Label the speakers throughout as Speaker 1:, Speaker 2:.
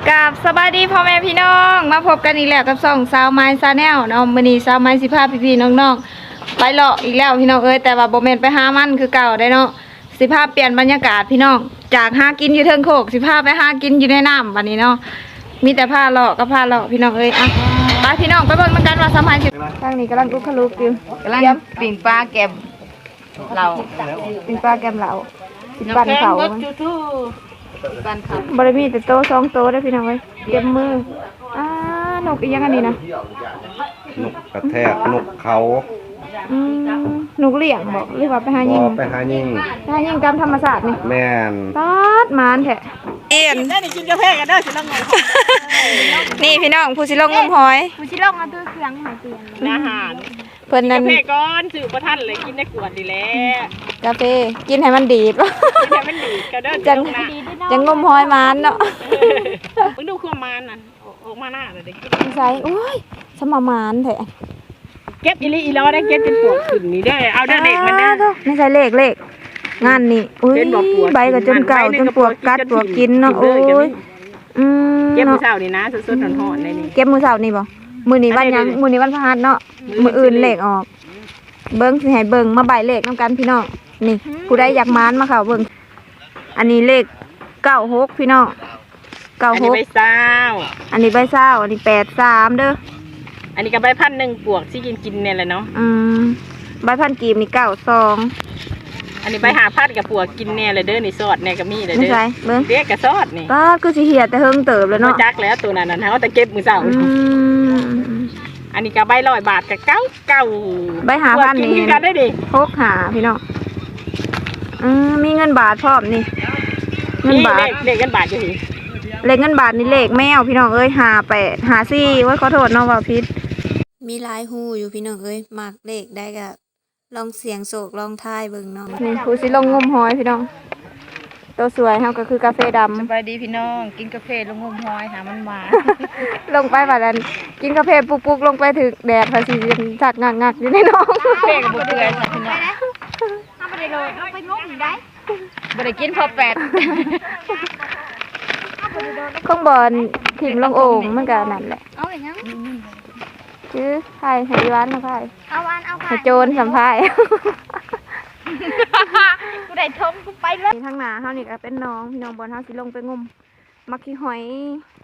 Speaker 1: กับสบายดีพ่อแม่พี่น้องมาพบกันอีกแล้วกับช่องสาวไม้ซาแนลเนาะมื้อนี้สาวไม้สิพาพี่ๆน้องๆไปเลาะอีกแล้วพี่น้องเอ้ยแต่ว่าบ่แม่นไปหามันคือเก่าได้เนาะสิพาเปลี่ยนบรรยากาศพี่น้องจากหากินอยู่เทิงโคกสิพาไปหากินอยู่ในน้ำวันนี้เนาะมีแต่ผ้าเลาะกับผ้าเลาะพี่น้องเอ้ยอ่ะไปพี่น้องไปเบิ่งกันว่าสาวไม้สิทางนี้กำลังอุกขลุกอยู่
Speaker 2: กำลังปิ่งปลาแกบเรา
Speaker 1: เป็นปลาแกมเหลาสิปั่นเขา
Speaker 2: ปันเขา
Speaker 1: บริมีแต่โตสองโตได้อพี่น้องเอ้ยเต็มมือนกอีกอยังอันนี้นะ
Speaker 3: นกกระแทกนกเขา
Speaker 1: นกเลี้ยงบอกหรือว่าไปหายิง
Speaker 3: ไปหายิง
Speaker 1: ไปหายิงตามธรรมศาสตร์นี่
Speaker 3: แม่น
Speaker 1: ตัดหมานแท้เอ็น
Speaker 2: ได้กินกาแฟกันได้สิน้องไง
Speaker 1: นี่พี่น้องผู้สิลงงมหอย
Speaker 4: ผู้ชิลงมาตัวเครื่องหายเตียน
Speaker 2: อาหาร
Speaker 1: เพิ่นนั้น
Speaker 2: กาแฟก้อนสื่อประทันเลยกินได้กวดดีแล้ว
Speaker 1: กาแฟกินให้มันดีด
Speaker 2: กินให้มันดีก็เด้อ
Speaker 1: จังจังงมหอยหมานเนาะ
Speaker 2: มึงดูความมันน่ะออกมาหน้าเลยดิ
Speaker 1: ใส่โอ้ยสมหมานแท้
Speaker 2: เก็บอีลีอีล้อได้เก็บจนปวดขึ้นนี่ได้เอาได้เด็กมันนะ
Speaker 1: ไม่ใช่เลขงานนี่อุ้ย
Speaker 2: เป็นบ่ปวด
Speaker 1: ใบก็จนเก่าจนปวกกัดปวกกินเนาะโอ้ย
Speaker 2: เก็บ
Speaker 1: เนาะ
Speaker 2: มื้อเช้านี่นะสดๆร้อนๆเลยนี่
Speaker 1: เก็บมือเสาร์นี่บ่มือนี้วันหยังมือนี้วันพฤหัสเนาะมืออื่นเลขออก เบิ้งสิให้เบิ้งมาใบเลขน้ำกันพี่น้องนี่ผู้ใดอยากมานมาเข้าเบิ้งอันนี้เลข96พี่น้อง
Speaker 2: อันนี้ใบ
Speaker 1: 96
Speaker 2: เช้า
Speaker 1: อันนี้ใบเศร้าอันนี้83เด้อ
Speaker 2: อันนี้ก็ใบพันหนึ่งปวกที่กินเนี่ยแหละเนาะ
Speaker 1: ใบพันกีบนี่92
Speaker 2: อันนี้ใบหาพัดกับปวกกินเนี่ยเลยเด้อนี่ซอดเนี่ยก็มีเลย
Speaker 1: ไม่
Speaker 2: เด้อ
Speaker 1: ใช่เบิ้ง
Speaker 2: เรียกกับซอดนี่
Speaker 1: ก็คือสิเหียแต่เฮิงเติบแล้ว
Speaker 2: มา
Speaker 1: เนาะ
Speaker 2: จักแล้วตัวนั้นนะเขาแต่เก็บมือเสา อันนี้ก็ใบ100 บาทกับเก้า
Speaker 1: ใบหาพัน
Speaker 2: กิน
Speaker 1: นี่
Speaker 2: คือกันได้ดิ
Speaker 1: พกหาพี่น้องมีเงินบาทพร้อมนี่เงิน
Speaker 2: นี่
Speaker 1: บาท
Speaker 2: เลขกันบาทอยู่สิ
Speaker 1: เลขเงินบาทนี่เลขแมวพี่น้องเอ้ย58 54ไว้ขอโทษน้องว่าพิษมีหลายฮู้อยู่พี่น้องเอ้ยมากเลขได้ก็ลองเสียงโศกลองทายเบิ่งน้องนี่ผู้สิลงงมหอยพี่น้องตัวสวยเฮาก็คือกาแฟดำ
Speaker 2: สบายดีพี่น้องกินกาแฟลงงมหอยหามันมา
Speaker 1: ลงไปบัดนั้นกินกาแฟปุกๆลงไปถึกแดดภาษีจักงักๆอยู่ในน้อง
Speaker 2: เฟ่กับบุเตือนค่ะพี่น้อง
Speaker 4: ทำไปเลยเอาไปงมได้
Speaker 2: บ่ได้กินพอแปด
Speaker 1: ข้างบนถิ่มลงโอ่งมันก็นั่นแหละ
Speaker 4: เอาอย่างนี้
Speaker 1: ชื่อไผ่ให้ร้านนะไผ่
Speaker 4: เอาวันเอา
Speaker 1: ให้โจรสัมภาย
Speaker 4: กูได้ทงกูไปเลย
Speaker 1: ทางหน้าเฮานี่ก็เป็นน้องพี่น้องบอลเฮาสิลงไปงมมักขี้หอย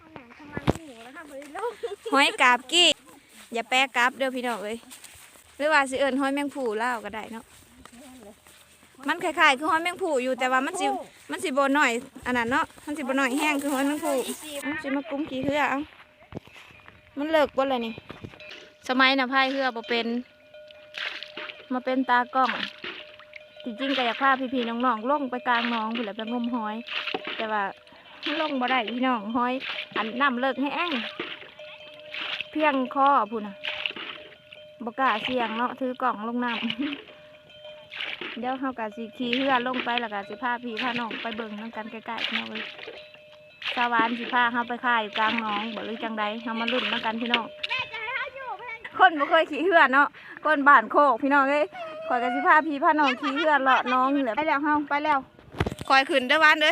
Speaker 1: หอยกาบกี้อย่าแปะกาบเด้อพี่น้องเอ้ยหรือว่าสิเอิ้นหอยแมงผู่ลาวก็ได้เนาะมันคล้ายๆคือหอยแมงผู่อยู่แต่ว่ามันสิบ่น้อยอันนั้นเนาะมันสิบ่น้อยแห้งคือหอยแมงผู่สิมากุ้มขี้เหือเอามันเลิกบ่เลยนี่สมัยน่ะพายเหือบ่เป็นมาเป็นตากล้องจริงๆก็อยากพาพี่ๆน้องๆลงไปกลางหนองพุ่นแหละไปงมหอย แต่ว่าลงบ่ได้พี่น้องหอยอันน้ำเลิกให้แอ้งเพียงคอพุ่นน่ะบ่กล้าเสี่ยงเนาะถือกล่องลงน้ำเดี๋ยวเฮากะสิขี่เรือลงไปแล้วก็สิพาพี่พาน้องไปเบิ่งนำกันใกล้ๆเนาะเว้ยสาวานสิพาเฮาไปค่ายอยู่กลางหนองบ่หรือจังใดเฮามาลุ้นนำกันพี่น้องคนบ่เคยขี่เรือเนาะคนบ้านโคกพี่น้องเอ้ยขอยก็สิพาพี่พาน้องขี่เรือเลาะน้องนี่แหละไปแล้วเฮาไปแล้วคอยขึ้นเด้อวานเด้อ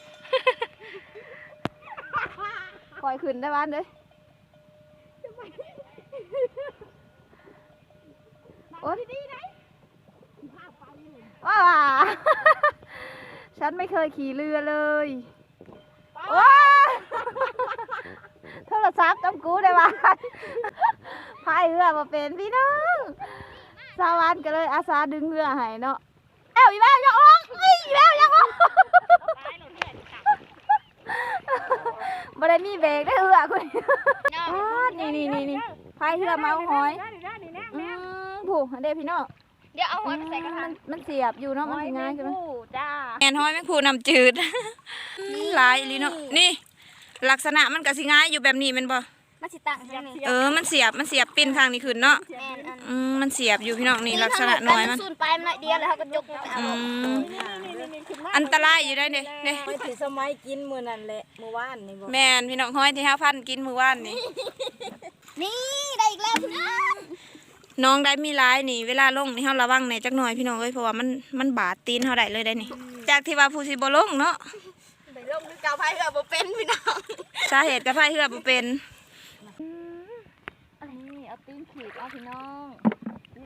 Speaker 1: คอยขึ้นได้บ้านเลยโอ๊ยว้าวฉันไม่เคยขี่เรือเลยโอ้ยโทรศัพท์จำกูได้บ้านพายเรือมาเป็นพี่น้องสาวานก็เลยอาสาดึงเรือให้เนาะอีแววอย่าออกอีแววอย่าออกบ่ได้มีเบรกได้เหือคุณนี่พายเรือมาเอาหอยผู้เด้พี่น้อง
Speaker 4: เดี๋ยวเอาหัวไปใส่กระถาง
Speaker 1: มันเสียบอยู่เนาะมันสิง่ายใช่ไหม
Speaker 4: จ้า
Speaker 1: แอนหอยแมงผู้น้ำจืดหลายอีหลีเนาะนี่ลักษณะมันก็สิง่ายอยู่แบบนี้แมันบ่
Speaker 4: มาสิตังทางนี้
Speaker 1: มันเสียบปิ้นทางนี้ขึ้นเนาะมันเสียบอยู่พี่น้องนี่ลักษณะน้อยมัน
Speaker 4: สูนไปมันเดียวแล้วเขาก็จก
Speaker 1: อันตรายอยู่ได้เด้
Speaker 2: ไม่ถือสมัยกินมื้อนั่นแหละมื้อวานนี่บ่
Speaker 1: แม่นพี่น้องห้อยที่5,000กินมื้อวานนี่
Speaker 4: นี่ได้อีกแล้วพี่น้อง
Speaker 1: น้องได้มีร้ายนี่เวลาลงนี่เฮาระวังแหน่จักหน่อยพี่น้องเอ้ยเพราะว่ามันบาดตีนเฮาได้เลยได้นี่จากที่ว่าผู้สิบ่ลงเนาะ
Speaker 2: ลงเจ้าพายเรือบ่เป็นพี่น้อง
Speaker 1: สาเหตุกระพายเหือบ่เป็น
Speaker 4: นี่เอาตีนขีบเอาพี่น้องตีน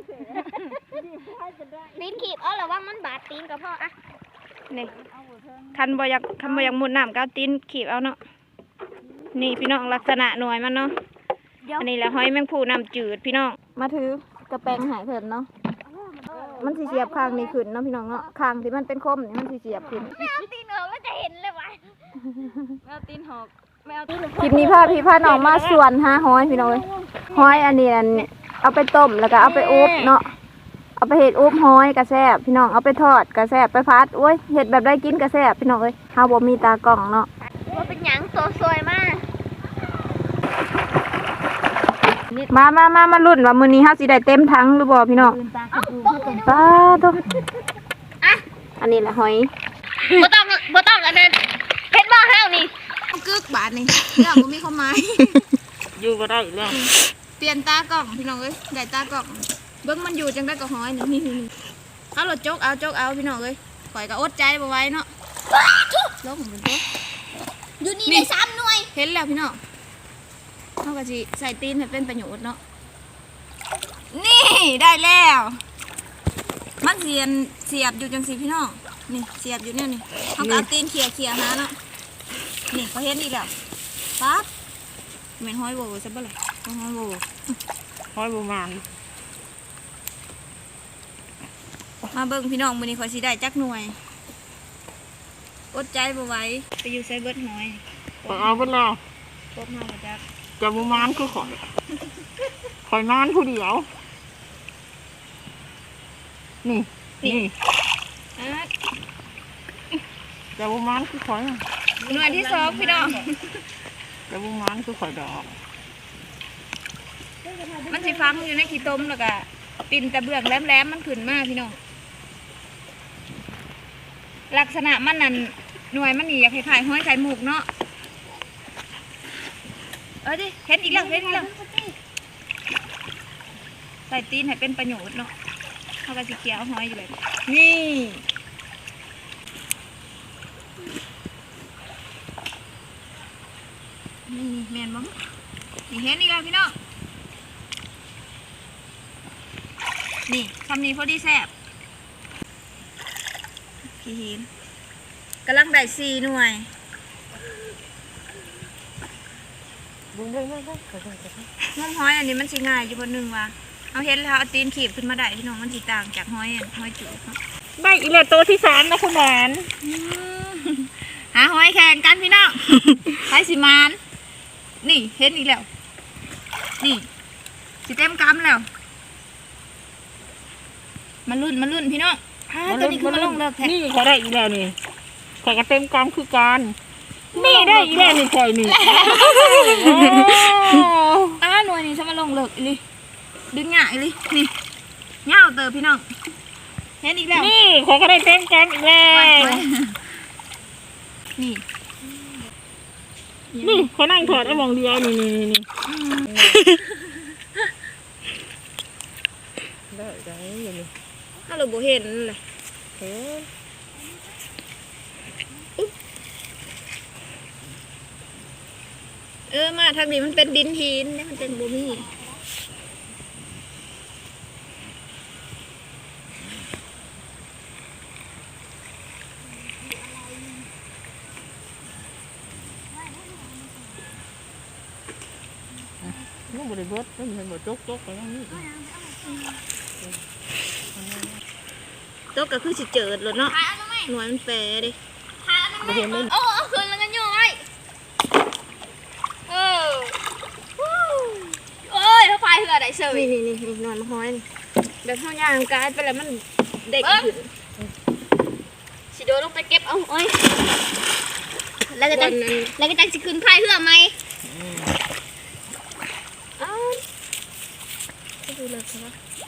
Speaker 4: ขีบเอาระวังมันบาดตีนกับพ่ออะ
Speaker 1: นี่คันบ่อยากมุดน้ำก็เอาตีนขีบเอาเนาะนี่พี่น้องลักษณะหน่วยมันเนาะอันนี้แหละหอยแมงภู่น้ำจืดพี่น้องมาถือกระแปงหายเถิดเนาะมันสิเสียบข้างนี้ขึ้นเนาะพี่น้องเนาะข้างที่มันเป็นคมนี่มันสิเสียบขึ้น
Speaker 4: ไม่เอาตีนเหรอมันจะเห็นเลยวะ
Speaker 2: ไม่เอาตีนหอกไม่เอาตีน
Speaker 1: คลิปนี้พาพี่พาน้องมาสวนหาหอยพี่น้องเอ้ยหอยอันนี้เอาไปต้มแล้วก็เอาไปอบเนาะเอาไปเห็ดอบหอยกระแซบพี่น้องเอาไปทอดกระแซบไปพัดโอ้ยเห็ดแบบได้กินกระแซบพี่น้องเอ้ยเฮาบ่มีตากล้องเนาะ
Speaker 4: ว่าเป็นหยังโตสวยมาก
Speaker 1: มาลุ้นว่ามื้อนี้เฮาสิได้เต็มถังหรือบ่พี่น้องป้าตัวอันนี้แหละหอย
Speaker 4: บ่ต้องอันนั้นเพชรบ้าห้าวนี่
Speaker 1: กึกบาทนี่เรื่องบ่มีความหมาย
Speaker 2: อยู่บ่ได้แล้ว
Speaker 1: เปลี่ยนตากล้องพี่น้องเอ้ยได้ตากล้องเบิ่งมันอยู่จังได้ก็หอยนี่เอารถจกเอาพี่น้องเอ้ยข่อยก็อดใจบ่ไหว้เนาะลงเป็นตัว
Speaker 4: อยู่นี่ได้3หน่วย
Speaker 1: เห็นแล้วพี่น้องเฮาก็สิใส่ตีนให้เป็นประโยชน์เนาะนี่ได้แล้วมันเสียบอยู่จังซี่พี่น้องนี่เสียบอยู่เนี่ยนี่เฮาก็เอาตีนเขี่ยหาเนาะนี่ก็เห็นอีกแล้วปั๊บแม่นหอยโหวซะบ่ล่ะหอยโหว
Speaker 2: หอยบ่มาน
Speaker 1: มาเบิ่งพี่น้องมื้อนี้ข่อยสิได้จักหน่วยอดใจบ่ไหวไปอยู่ไสเบิดหอย
Speaker 2: เอาเบิดแล้ว
Speaker 1: พบมาบ่จัก
Speaker 2: จะบ่มานคือข่อยข่อยมานผู้เดียวนี่
Speaker 1: อ่ะ
Speaker 2: จะบ่มานคือข่อย
Speaker 1: หน่วยที่2พี่น้อง
Speaker 2: จะบ่มานคือข่อยดอก
Speaker 1: มันสิฟังอยู่ในขี้ต้มแล้วก็ปิ่นตะเบื้องแหลมๆมันขึ้นมาพี่น้องลักษณะมันนั่นหน่วยมันนี่อยากคล้ายๆหอยไข่มุกเนาะดิเห็นอีกแล้วใส่ตีนให้เป็นประโยชน์เนาะเขาก็สิเกี่ยวหอยอยู่เลยนี่แม่นบ่นี่เห็นอีกแล้วพี่น้องนี่คำนี้พอดีแซ่บขี้หินกำลังได้4หน่วยงมหอยอันนี้มันสิง่ายอยู่บนหนึ่งว่ะเอาเห็นแล้วเอาตีนขีบขึ้นมาได้พี่น้องมันสิต่างจากหอยจูบเนาะ
Speaker 2: ได้อีกแล้วตัวที่3นะคุณแหวน
Speaker 1: หาหอยแข่งกันพี่น้อง ไปสิมานนี่เห็นอีกแล้วนี่สิเต็มกำแล้วมาลุ้นพี่น้องตัวนี้คือมาลงเลิกแท้
Speaker 2: นี่ข่อยได้อีกแล้วนี่ข่อยก็เต็มกองคือกันนี่ได้อีกแล้วนี่ข่อยนี่
Speaker 1: หน่วยนี้ฉันมาลงเลิกอีลิดึงหง่ายอีลินี่เงาเตอพี่น้องเห็นอีกแล้ว
Speaker 2: นี่ข่อยก็ได้เต็มกองอีกแล้ว
Speaker 1: นี่
Speaker 2: นี่ข่อยนั่งถอดไอ้มองเดียวนี่ได้อย่างนี้
Speaker 1: ถ้าเราบ่เห็นเลยมาทางนี้มันเป็นดินหินนี่มันเป็นบ่มี
Speaker 2: มันบ่ได้เบิดมันเห็นบ่จกไปอย่างนี้
Speaker 1: โต๊ะก็คือสิเจิดเลยเนาะหน่วยมันแฝดิ
Speaker 2: บ่เห็นเลย
Speaker 4: เอาคืนแล้วกันอยู่ไว้เอ้ยถ้าพายเรือได้เฉย
Speaker 1: นี่หน่วยมะฮ้อยนี่แบบเท่าย่างกายไปแล้วมันเด็กขึ้น
Speaker 4: สิโดนลงไปเก็บเอาโอ้ยแล้วก็จังสิขึ้นพายเรือไหม
Speaker 1: ดูเลยใช่ไหม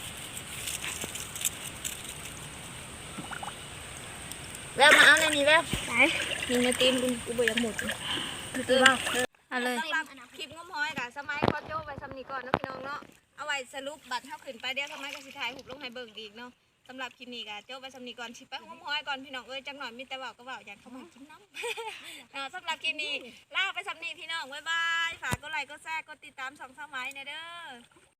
Speaker 1: แววมาเอาในนี้แววไปยิงมาตีนกูบ่อยากหมดเอาเลยคลิปงมห้อยกับสมัยขอโจ้ไปสำนีก่อนนะพี่น้องเนาะเอาไว้สรุปบัตรเท่าขึ้นไปเดี๋ยวสมัยกับสิถ่ายหุบลงให้เบิ่งอีกเนาะสำหรับคลิปนี้ก็จบไปสำนีก่อนชิไปห้อมห้อยก่อนพี่น้องเอ้ยจังหน่อยมีแต่เว้าก็เว้าอยากเข้ามากินน้ำ สำหรับคลิปนี้ลาไปสำนีพี่น้องบ๊ายบายฝากกดไลค์กดแชร์กดติดตามช่องสาวไหมเนี่ยเด้อ